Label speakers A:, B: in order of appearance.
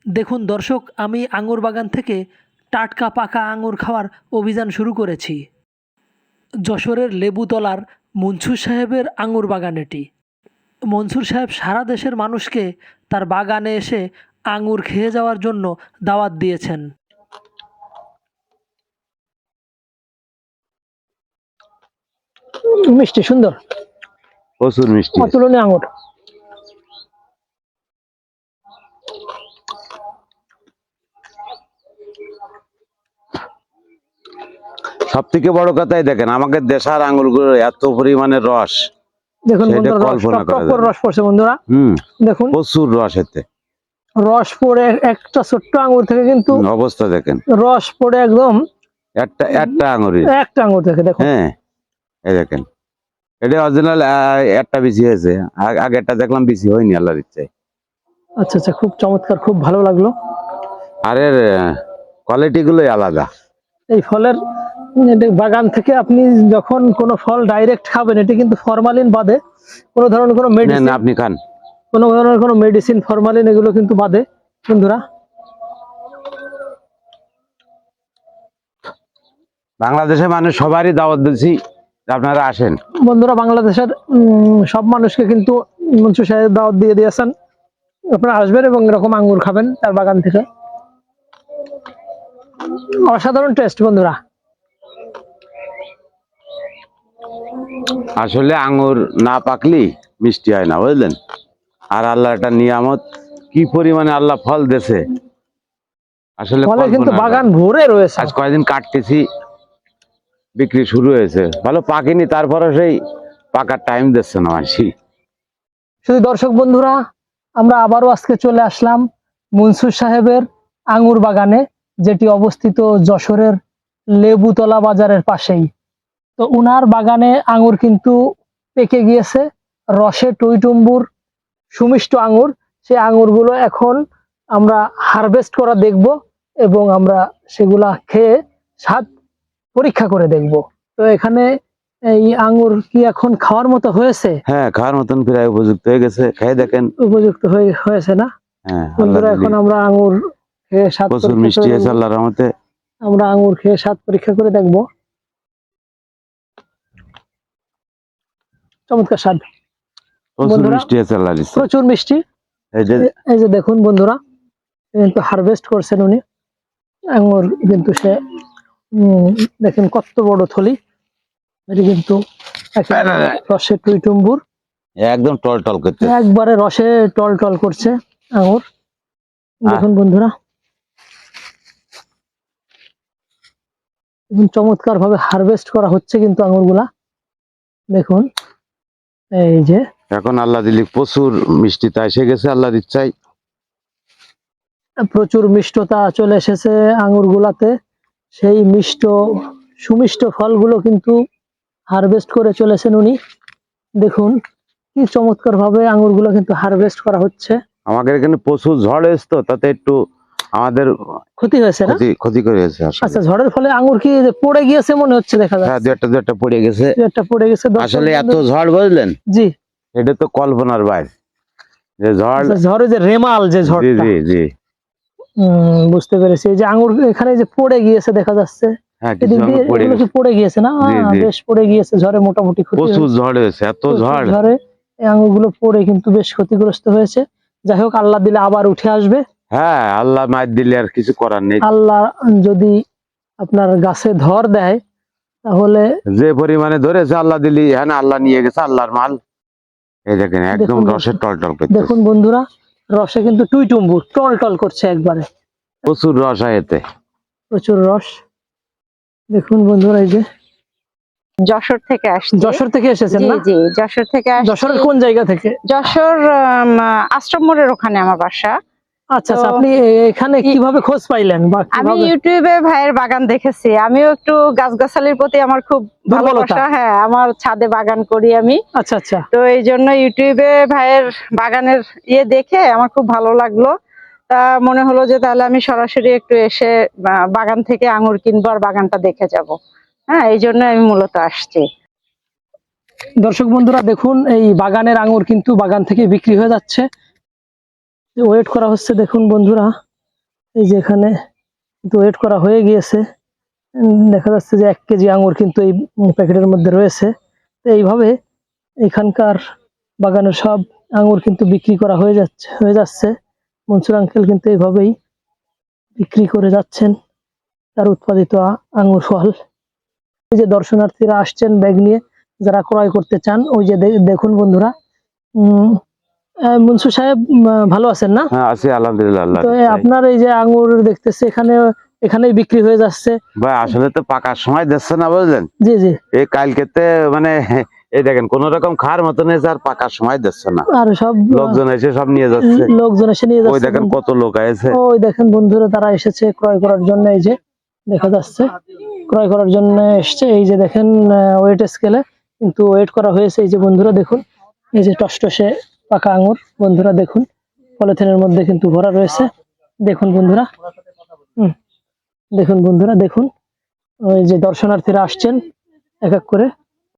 A: দেখুন দর্শক, আমি আঙুর বাগান থেকে টাটকা পাকা আঙুর খাওয়ার অভিযান শুরু করেছি। যশোরের লেবুতলার মনসুর সাহেবের আঙুর বাগান এটি। মনসুর সাহেব সারা দেশের মানুষকে তার বাগানে এসে আঙুর খেয়ে যাওয়ার জন্য দাওয়াত দিয়েছেন। মিষ্টি, সুন্দর,
B: প্রচুর মিষ্টি।
A: অতুলনীয় আঙুর।
B: সব থেকে বড় কথাই দেখেন, আমাদের দেশার আঙুরগুলো এত পরিমাণে রস,
A: দেখুন
B: সেটা
A: বন্ধুরা, রস
B: কল্পনা
A: টপ
B: করা
A: টপ
B: যায়
A: করে
B: না।
A: রস পড়ছে বন্ধুরা। দেখুন
B: প্রচুর রস এতে।
A: রস পড়ে একটা ছোট্ট আঙুর থেকে কিন্তু
B: অবস্থা দেখেন,
A: রস পড়ে একদম
B: একটা আঙুরের।
A: একটা আঙুর থেকে দেখুন।
B: হ্যাঁ, এই দেখেন, এটা অরিজিনাল একটা বিচি হয়েছে, আগেরটা দেখলাম বিচি হয়নি আল্লাহর ইচ্ছায়।
A: আচ্ছা আচ্ছা, খুব চমৎকার, খুব ভালো লাগলো।
B: আর এর কোয়ালিটি গুলোই আলাদা।
A: এই ফলের বাগান থেকে আপনি যখন কোনো ফল ডাইরেক্ট খাবেন, এটি কিন্তু ফরমালিন বাদে কোনো ধরনের কোনো মেডিসিন,
B: না আপনি খান,
A: কোনো ধরনের কোনো মেডিসিন, ফরমালিন এগুলো কিন্তু বাদে বন্ধুরা।
B: বাংলাদেশের মানুষ সবারই দাওয়াত দিচ্ছি, আপনারা আসেন
A: বন্ধুরা, বাংলাদেশের সব মানুষকে কিন্তু মনসুর সাহেব দাওয়াত দিয়ে দিয়েছেন, আপনারা আসবেন এবং এরকম আঙ্গুর খাবেন তার বাগান থেকে। অসাধারণ টেস্ট বন্ধুরা।
B: আসলে আঙ্গুর না পাকলি মিষ্টি হয় না, বুঝলেন। আর আল্লাহ একটা নিয়ামত, কি পরিমাণে আল্লাহ ফল দেছে, আসলে
A: ফলে কিন্তু বাগান ভরে রয়েছে।
B: আজ কয়েকদিন কাটতেছি, বিক্রি শুরু হয়েছে, ভালো পাকেনি, তারপরে সেই পাকার টাইম দিচ্ছে না মাসি।
A: শুধু দর্শক বন্ধুরা, আমরা আবারও আজকে চলে আসলাম মনসুর সাহেবের আঙ্গুর বাগানে, যেটি অবস্থিত যশোরের লেবুতলা বাজারের পাশেই। তো উনার বাগানে আঙ্গুর কিন্তু পেকে গিয়েছে, রসে টইটুম্বুর, সুমিষ্ট আঙ্গুর। সেই আঙ্গুরগুলো এখন আমরা হারভেস্ট করা দেখব এবং আমরা সেগুলা খেয়ে স্বাদ পরীক্ষা করে দেখব। তো এখানে এই আঙ্গুর কি এখন খাওয়ার মতো হয়েছে?
B: হ্যাঁ, খাওয়ার মতন প্রায় উপযুক্ত হয়ে গেছে, খেয়ে দেখেন।
A: উপযুক্ত হয়েছে না?
B: হ্যাঁ,
A: বন্ধুরা, এখন আমরা আঙ্গুর খেয়ে স্বাদ
B: প্রচুর
A: পরীক্ষা
B: মিষ্টি
A: করে
B: হয়েছে
A: দেখব।
B: আল্লাহর রহমতে।
A: আমরা আঙ্গুর খেয়ে স্বাদ পরীক্ষা করে দেখব। চমৎকার স্বাদ,
B: প্রচুর মিষ্টি হয়েছে আল্লাহর ইচ্ছায়।
A: প্রচুর মিষ্টি। এই যে দেখুন বন্ধুরা, কিন্তু হারভেস্ট করছেন উনি আঙ্গুর, কিন্তু সে দেখেন কত বড় থলি, এটি কিন্তু রসে টইটুম্বুর,
B: একদম টল টল করতে,
A: একবারে রসে টল টল করছে আঙ্গুর। দেখুন বন্ধুরা, চমৎকার ভাবে হারভেস্ট করা হচ্ছে কিন্তু আঙ্গুরগুলা। দেখুন, এই যে
B: এখন আল্লাহ দিলি প্রচুর মিষ্টিতা এসে গেছে আল্লাহর ইচ্ছায়।
A: প্রচুর মিষ্টতা চলে এসেছে আঙ্গুরগুলাতে। সেই সুমিষ্ট ফলগুলো কিন্তু হারভেস্ট করে চলেছেন উনি। দেখুন কি চমৎকার ভাবে আঙ্গুরগুলো কিন্তু হারভেস্ট করা হচ্ছে।
B: আমাদের এখানে প্রচুর ঝড় এসতো, তাতে একটু আমাদের
A: ক্ষতি হয়েছে না?
B: ক্ষতি করে গেছে।
A: আচ্ছা, ঝড়ের ফলে আঙ্গুর কি পড়ে গিয়েছে মনে হচ্ছে, দেখা যাচ্ছে।
B: হ্যাঁ, দু একটা পড়ে গেছে,
A: পড়ে গেছে।
B: আসলে এত ঝড়, বুঝলেন।
A: জি,
B: এটা তো কল্পনার বাইরে যে ঝড়।
A: ঝড়ে যে রেমাল, যে ঝড়।
B: জি জি,
A: বুঝতে পেরেছি। এই যে আঙ্গুর এখানে যে পড়ে গিয়েছে দেখা যাচ্ছে, পড়ে গিয়েছে না? বেশ পড়ে গিয়েছে ঝড়ে, মোটামুটি
B: প্রচুর ঝড় হয়েছে, এত
A: ঝড়ে এই আঙ্গুরগুলো পড়ে কিন্তু বেশ ক্ষতিগ্রস্ত হয়েছে। যাই হোক, আল্লাহ দিলে আবার উঠে আসবে।
B: হ্যাঁ, আল্লাহ মার দিলে আর কিছু করার নেই।
A: আল্লাহ যদি আপনার গাছে ধর দেয়, তাহলে
B: যে পরিমাণে ধরেছে আল্লাহ দিলি, হ্যাঁ না, আল্লাহ নিয়ে গেছে, আল্লাহর মাল। এই দেখেন, একদম রসের টল টল করছে।
A: দেখুন বন্ধুরা, রসে কিন্তু টুইটুম্বুর টল টল করছে একবারে।
B: প্রচুর রস হয় এতে,
A: প্রচুর রস। দেখুন বন্ধুরা, এই যে
C: যশোর থেকে আসছি।
A: যশোর থেকে এসেছেন না?
C: জি, যশোর থেকে আসছি।
A: যশোরের কোন জায়গা থেকে?
C: যশোর আশ্রম মোড়ের ওখানে আমার বাসা।
A: আচ্ছা আচ্ছা, আপনি এখানে কিভাবে খোঁজ পাইলেন?
C: আমি ইউটিউবে ভাইয়ের বাগান দেখেছি। আমিও একটু গাছগাছালির প্রতি আমার খুব ভালোবাসা। হ্যাঁ, আমার ছাদে বাগান করি আমি।
A: আচ্ছা আচ্ছা।
C: তো এই জন্য ইউটিউবে ভাইয়ের বাগানের দেখে আমার খুব ভালো লাগলো। তা মনে হলো যে তাহলে আমি সরাসরি একটু এসে বাগান থেকে আঙ্গুর কিনবো আর বাগানটা দেখে যাব। হ্যাঁ, এই জন্য আমি মূলত আসছি।
A: দর্শক বন্ধুরা, দেখুন এই বাগানের আঙ্গুর কিন্তু বাগান থেকে বিক্রি হয়ে যাচ্ছে, ওয়েট করা হচ্ছে। দেখুন বন্ধুরা, এই যে এখানে কিন্তু ওয়েট করা হয়ে গিয়েছে। দেখা যাচ্ছে যে 1 কেজি আঙুর কিন্তু এই প্যাকেটের মধ্যে রয়েছে। তো এইভাবে এখানকার বাগানের সব আঙুর কিন্তু বিক্রি করা হয়ে যাচ্ছে। মনসুর আঙ্কেল কিন্তু এইভাবেই বিক্রি করে যাচ্ছেন তার উৎপাদিত আঙুর ফল। এই যে দর্শনার্থীরা আসছেন ব্যাগ নিয়ে, যারা ক্রয় করতে চান, ওই যে দেখুন বন্ধুরা। মনসুর সাহেব ভালো আছেন না?
B: হ্যাঁ আছি আলহামদুলিল্লাহ। আল্লাহ
A: তো আপনার এই যে আঙুর দেখতেছে এখানেই বিক্রি হয়ে যাচ্ছে।
B: ভাই আসলে তো পাকার সময় দিচ্ছে না বুঝলেন,
A: জি জি।
B: এই কালকেতে মানে এই দেখেন কোন রকম খাওয়ার মতন হয়েছে, আর পাকার সময় দিচ্ছে না।
A: আর সব
B: লোকজন এসে সব নিয়ে যাচ্ছে।
A: লোকজন এসে নিয়ে
B: ওই
A: যাচ্ছে।
B: দেখেন কত লোক আছে।
A: ওই দেখেন বন্ধুরা, তারা এসেছে ক্রয় করার জন্য। এই যে দেখা যাচ্ছে ক্রয় করার জন্য এসছে। এই যে দেখেন ওয়েট স্কেলে কিন্তু ওয়েট করা হয়েছে। এই যে বন্ধুরা দেখুন, এই যে টসটসে পাকা আঙুর বন্ধুরা দেখুন, পলিথিনের মধ্যে কিন্তু ভরা রয়েছে। দেখুন বন্ধুরা, দেখুন বন্ধুরা দেখুন, ওই যে দর্শনার্থীরা আসছেন এক এক করে।